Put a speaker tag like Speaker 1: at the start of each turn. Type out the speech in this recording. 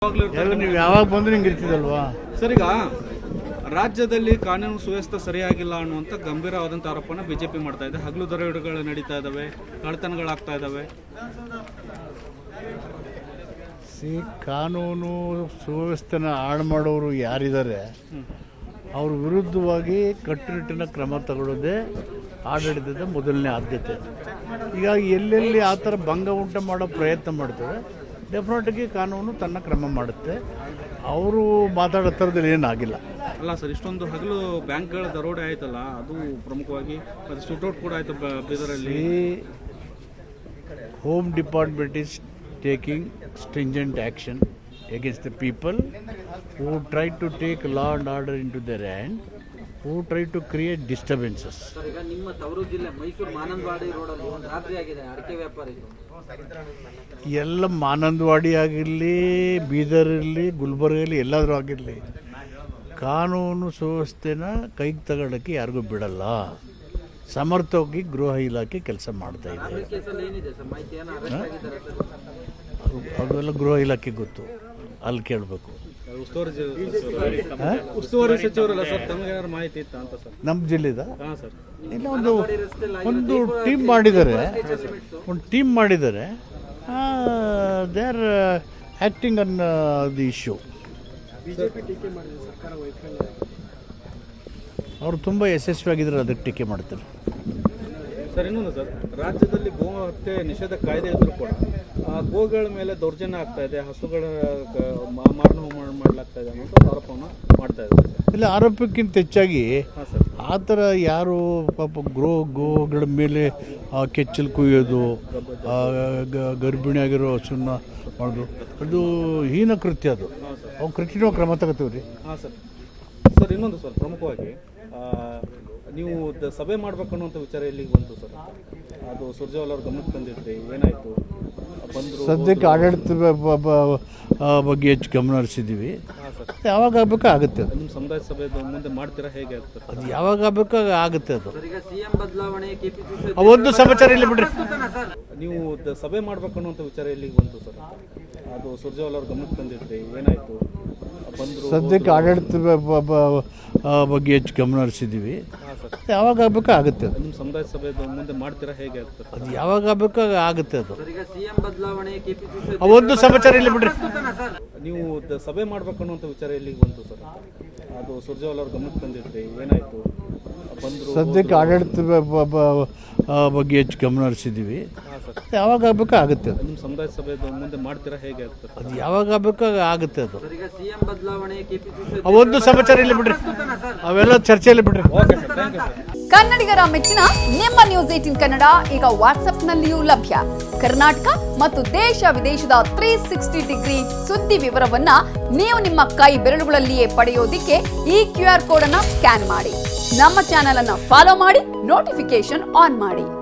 Speaker 1: ನೀವು ಯಾವಾಗ ಬಂದ್ರೆ ಹಿಂಗೆ ಇರ್ತಿದಲ್ವಾ
Speaker 2: ಸರ್? ಈಗ ರಾಜ್ಯದಲ್ಲಿ ಕಾನೂನು ಸುವ್ಯವಸ್ಥೆ ಸರಿಯಾಗಿಲ್ಲ ಅನ್ನುವಂಥ ಗಂಭೀರವಾದಂಥ ಆರೋಪನ ಬಿಜೆಪಿ ಮಾಡ್ತಾ ಇದೆ. ಹಗಲು ದರೋಡೆಗಳು ನಡೀತಾ ಇದ್ದಾವೆ, ಕಳ್ಳತನಗಳಾಗ್ತಾ ಇದ್ದಾವೆ.
Speaker 1: ಕಾನೂನು ಸುವ್ಯವಸ್ಥೆನ ಹಾಳು ಮಾಡೋರು ಯಾರಿದ್ದಾರೆ ಅವ್ರ ವಿರುದ್ಧವಾಗಿ ಕಟ್ಟುನಿಟ್ಟಿನ ಕ್ರಮ ತಗೊಳ್ಳೋದೇ ಆಡಳಿತದ ಮೊದಲನೇ ಆದ್ಯತೆ. ಹೀಗಾಗಿ ಎಲ್ಲೆಲ್ಲಿ ಆ ಥರ ಭಂಗ ಉಂಟು ಮಾಡೋ ಪ್ರಯತ್ನ ಮಾಡ್ತೇವೆ, ಡೆಫಿನೆಟಾಗಿ ಕಾನೂನು ತನ್ನ ಕ್ರಮ ಮಾಡುತ್ತೆ. ಅವರು ಮಾತಾಡೋ ಥರದಲ್ಲಿ ಏನಾಗಿಲ್ಲ.
Speaker 2: ಅಲ್ಲ ಸರ್, ಇಷ್ಟೊಂದು ಹಗಲು ಬ್ಯಾಂಕ್ಗಳ ದರೋಡೆ ಆಯ್ತಲ್ಲ, ಅದು ಪ್ರಮುಖವಾಗಿ ಮತ್ತು ಶೂಟೌಟ್ ಕೂಡ ಆಯಿತು ಬೀದರಲ್ಲಿ.
Speaker 1: Home department is taking stringent action against the people who try to take law and order into their hand, who try to create disturbances.
Speaker 3: Sir, ಈಗ ನಿಮ್ಮ ತವರು ಜಿಲ್ಲೆ ಮೈಸೂರು ಮಾನಂದವಾಡಿ ರೋಡಲ್ಲಿ ಒಂದು ರಾತ್ರಿ ಆಗಿದೆ ಅಡಿಕೆ ವ್ಯಾಪಾರಿಗಳು.
Speaker 1: ಎಲ್ಲ ಮಾನಂದವಾಡಿ ಆಗಿರಲಿ, ಬೀದರ್ ಇರಲಿ, ಗುಲ್ಬರ್ಗಲ್ಲಿ ಎಲ್ಲಾದರೂ ಆಗಿರಲಿ, ಕಾನೂನು ಸುವ್ಯವಸ್ಥೆನ ಕೈಗೆ ತಗೊಳ್ಳೋಕ್ಕೆ ಯಾರಿಗೂ ಬಿಡಲ್ಲ. ಸಮರ್ಥವಾಗಿ ಗೃಹ ಇಲಾಖೆ ಕೆಲಸ ಮಾಡ್ತಾ ಇದೆ. ಅದೆಲ್ಲ ಗೃಹ ಇಲಾಖೆ ಗೊತ್ತು, ಅಲ್ಲಿ ಕೇಳಬೇಕು.
Speaker 2: ಉಸ್ತುವಾರಿ ಸಚಿವರಲ್ಲ ಸರ್, ತಮಗೇನಾದ್ರು ಮಾಹಿತಿ ಇತ್ತ ಅಂತ ಸರ್?
Speaker 1: ನಮ್ಮ ಜಿಲ್ಲೆದ
Speaker 2: ಸರ್
Speaker 1: ಇಲ್ಲ, ಒಂದು ಟೀಮ್ ಮಾಡಿದ್ದಾರೆ, they are acting on the issue. ಅವರು ತುಂಬ ಯಶಸ್ವಿಯಾಗಿದ್ದಾರೆ, ಅದಕ್ಕೆ ಟೀಕೆ ಮಾಡ್ತಾರೆ.
Speaker 2: ಸರ್, ಇನ್ನೊಂದು ಸರ್, ರಾಜ್ಯದಲ್ಲಿ ಗೋ ಹತ್ಯೆ ನಿಷೇಧ ಕಾಯ್ದೆ ಇದ್ರೂ ಕೂಡ ಗೋಗಳ ಮೇಲೆ ದೌರ್ಜನ್ಯ ಆಗ್ತಾ ಇದೆ, ಹಸುಗಳ ಮಾರಣ ಹೋಮ ಮಾಡಲಾಗ್ತಾ ಇದೆ ಅನ್ನೋ ಆರೋಪವನ್ನು ಮಾಡ್ತಾ ಇದ್ದಾರೆ.
Speaker 1: ಇಲ್ಲ, ಆರೋಪಕ್ಕಿಂತ ಹೆಚ್ಚಾಗಿ ಆ ಥರ ಯಾರು ಪಾಪ ಗೋಗಳ ಮೇಲೆ ಕೆಚ್ಚಲು ಕುಯ್ಯೋದು, ಗರ್ಭಿಣಿಯಾಗಿರೋ ಹಸುನ ಮಾಡೋದು, ಅದು ಹೀನ ಕೃತ್ಯ. ಅದು ಅವ್ನು ಕಠಿಣ ಕ್ರಮ ತಗೋತೀವಿ ರೀ.
Speaker 2: ಹಾಂ ಸರ್. ಸರ್, ಇನ್ನೊಂದು ಸರ್, ಪ್ರಮುಖವಾಗಿ ನೀವು ಸಭೆ ಮಾಡ್ಬೇಕು ಅನ್ನುವಂಥ ವಿಚಾರ ಎಲ್ಲಿಗೆ ಬಂತು ಸರ್? ಅದು ಸುರ್ಜೇವಾಲ ಅವ್ರ ಗಮನಕ್ಕೆ ತಂದಿದ್ರಿ, ಏನಾಯಿತು? ಬಂದರು.
Speaker 1: ಸದ್ಯಕ್ಕೆ ಆಡಳಿತ ಬಗ್ಗೆ ಹೆಚ್ಚು ಗಮನ ಹರಿಸಿದ್ದೀವಿ. ಯಾವಾಗ ಆಗಬೇಕು ಆಗುತ್ತೆ. ಅದು
Speaker 2: ನಿಮ್ಮ ಸಮುದಾಯ ಸಭೆ ಮುಂದೆ ಮಾಡ್ತೀರಾ, ಹೇಗೆ ಆಗ್ತದೆ?
Speaker 1: ಅದು ಯಾವಾಗ ಆಗಬೇಕು ಆಗುತ್ತೆ. ಅದು
Speaker 3: ಈಗ ಸಿಎಂ ಬದಲಾವಣೆ, ಕೆಪಿಸಿಸಿ
Speaker 1: ಒಂದು ಸಮಾಚಾರ ಇಲ್ಲ ಬಿಡ್ರಿ.
Speaker 2: ನೀವು ಸಭೆ ಮಾಡ್ಬೇಕು ಅನ್ನುವಂಥ ವಿಚಾರ ಎಲ್ಲಿಗೆ ಬಂತು ಸರ್? ಅದು ಸುರ್ಜೇವಾಲ ಅವ್ರ ಗಮನಕ್ಕೆ ತಂದಿದ್ರಿ, ಏನಾಯಿತು? ಬಂದರು.
Speaker 1: ಸದ್ಯಕ್ಕೆ ಆಡಳಿತ ಬಗ್ಗೆ ಹೆಚ್ಚು ಗಮನ ಹರಿಸಿದ್ದೀವಿ. ಯಾವಾಗ ಆಗಬೇಕು ಆಗುತ್ತೆ. ಅದು
Speaker 2: ನಿಮ್ಮ ಸಮುದಾಯ ಸಭೆ ಮುಂದೆ ಮಾಡ್ತೀರಾ, ಹೇಗೆ ಆಗ್ತದೆ?
Speaker 1: ಅದು ಯಾವಾಗ ಆಗಬೇಕು ಆಗುತ್ತೆ. ಅದು
Speaker 3: ಈಗ ಸಿಎಂ ಬದಲಾವಣೆ, ಕೆಪಿಸಿಸಿ
Speaker 1: ಒಂದು ಸಮಾಚಾರ ಇಲ್ಲ ಬಿಡ್ರಿ.
Speaker 2: ನೀವು ಸಭೆ ಮಾಡ್ಬೇಕು ಅನ್ನುವಂಥ ವಿಚಾರ ಎಲ್ಲಿಗೆ ಬಂತು ಸರ್? ಅದು ಸುರ್ಜೇವಾಲ ಅವ್ರ ಗಮನಕ್ಕೆ ತಂದಿದ್ರಿ, ಏನಾಯಿತು? ಬಂದರು.
Speaker 1: ಸದ್ಯಕ್ಕೆ ಆಡಳಿತ ಬಗ್ಗೆ ಹೆಚ್ಚು ಗಮನ ಹರಿಸಿದ್ದೀವಿ. ಯಾವಾಗ ಆಗಬೇಕು ಆಗುತ್ತೆ. ಅದು
Speaker 2: ನಿಮ್ಮ ಸಮುದಾಯ ಸಭೆ ಮುಂದೆ ಮಾಡ್ತೀರಾ, ಹೇಗೆ ಆಗ್ತದೆ?
Speaker 1: ಅದು ಯಾವಾಗ ಆಗಬೇಕು ಆಗುತ್ತೆ. ಅದು
Speaker 3: ಈಗ ಸಿಎಂ ಬದಲಾವಣೆ, ಕೆಪಿಸಿಸಿ
Speaker 1: ಒಂದು ಸಮಾಚಾರ ಇಲ್ಲ ಬಿಡ್ರಿ. ಅವೆಲ್ಲ ಚರ್ಚೆಯಲ್ಲಿ ಬಿಡ್ರಿ.
Speaker 2: Okay sir, thank you sir.
Speaker 4: ಕನ್ನಡಿಗರ ಮೆಚ್ಚಿನ ನಿಮ್ಮ ನ್ಯೂಸ್ 18 ಕನ್ನಡ ಈಗ ವಾಟ್ಸ್ಆಪ್ನಲ್ಲಿಯೂ ಲಭ್ಯ. ಕರ್ನಾಟಕ ಮತ್ತು ದೇಶ ವಿದೇಶದ 360 ಡಿಗ್ರಿ ಸುದ್ದಿ ವಿವರವನ್ನ ನೀವು ನಿಮ್ಮ ಕೈ ಬೆರಳುಗಳಲ್ಲಿಯೇ ಪಡೆಯೋದಿಕ್ಕೆ ಈ QR ಕೋಡ್ ಅನ್ನ ಸ್ಕ್ಯಾನ್ ಮಾಡಿ. ನಮ್ಮ ಚಾನೆಲ್ ಅನ್ನ ಫಾಲೋ ಮಾಡಿ, ನೋಟಿಫಿಕೇಶನ್ ಆನ್ ಮಾಡಿ.